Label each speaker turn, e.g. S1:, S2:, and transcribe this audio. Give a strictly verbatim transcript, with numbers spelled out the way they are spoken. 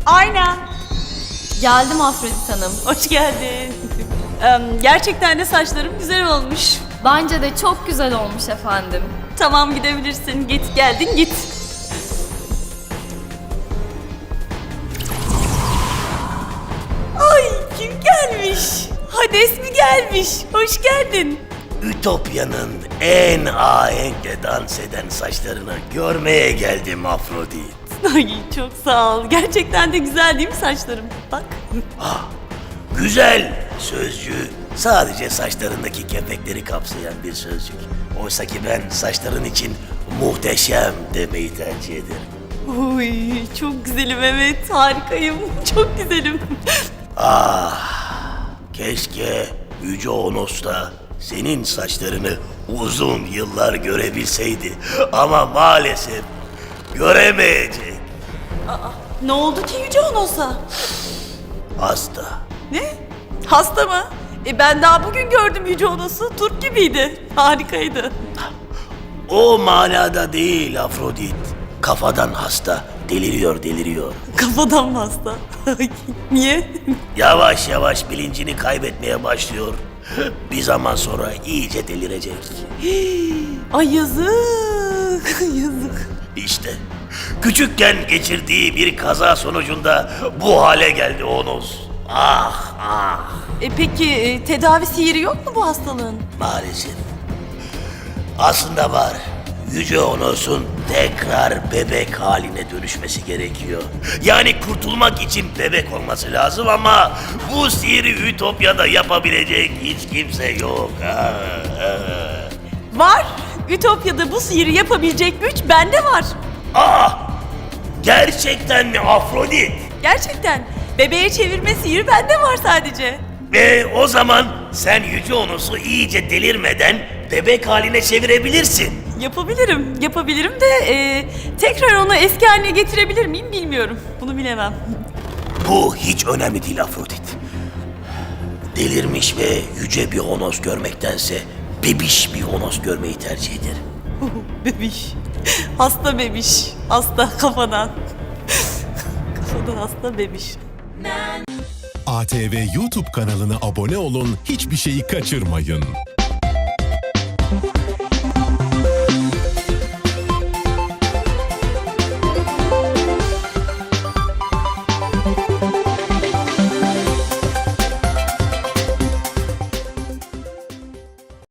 S1: Aynen.
S2: Geldim Afrodit Hanım.
S1: Hoş geldin. Em, Gerçekten de saçlarım güzel olmuş.
S2: Bence de çok güzel olmuş efendim.
S1: Tamam, gidebilirsin. Git, geldin git. Ay, kim gelmiş? Hades mi gelmiş? Hoş geldin.
S3: Ütopya'nın en ahenkle dans eden saçlarını görmeye geldim Afrodit.
S1: Ay, çok sağ ol. Gerçekten de güzel değil mi saçlarım? Bak.
S3: Güzel sözcüğü sadece saçlarındaki kepekleri kapsayan bir sözcük. Oysa ki ben saçların için muhteşem demeyi tercih ederim.
S1: Uy, çok güzelim, evet. Harikayım. Çok güzelim.
S3: Keşke Yüce Onos da senin saçlarını uzun yıllar görebilseydi. Ama maalesef göremeyecek.
S1: Ne oldu ki Yüce Onos'a?
S3: Hasta.
S1: Ne? Hasta mı? E ben daha bugün gördüm Yüce Onos'u. Turp gibiydi. Harikaydı.
S3: O manada değil Afrodit. Kafadan hasta. Deliriyor deliriyor.
S1: Kafadan mı hasta? Niye?
S3: Yavaş yavaş bilincini kaybetmeye başlıyor. Bir zaman sonra iyice delirecek.
S1: Ay yazık. Yazık.
S3: İşte küçükken geçirdiği bir kaza sonucunda bu hale geldi Onos. Ah ah.
S1: E peki e, tedavi sihiri yok mu bu hastalığın?
S3: Maalesef. Aslında var. Yüce Onos'un tekrar bebek haline dönüşmesi gerekiyor. Yani kurtulmak için bebek olması lazım ama bu sihiri Ütopya'da yapabilecek hiç kimse yok. Ah, ah.
S1: Var. Ütopya'da bu sihiri yapabilecek güç bende var.
S3: Ah! Gerçekten mi Afrodit?
S1: Gerçekten. Bebeğe çevirme sihiri bende var sadece.
S3: Ve o zaman sen Yüce Onos'u iyice delirmeden bebek haline çevirebilirsin.
S1: Yapabilirim. Yapabilirim de e, tekrar onu eski haline getirebilir miyim bilmiyorum. Bunu bilemem.
S3: Bu hiç önemli değil Afrodit. Delirmiş ve yüce bir Onos görmektense bebiş bir Onos görmeyi tercih ederim.
S1: Bebiş. Hasta bebiş. Hasta kafadan. Kafadan hasta bebiş.
S4: A T V YouTube kanalına abone olun, hiçbir şeyi kaçırmayın.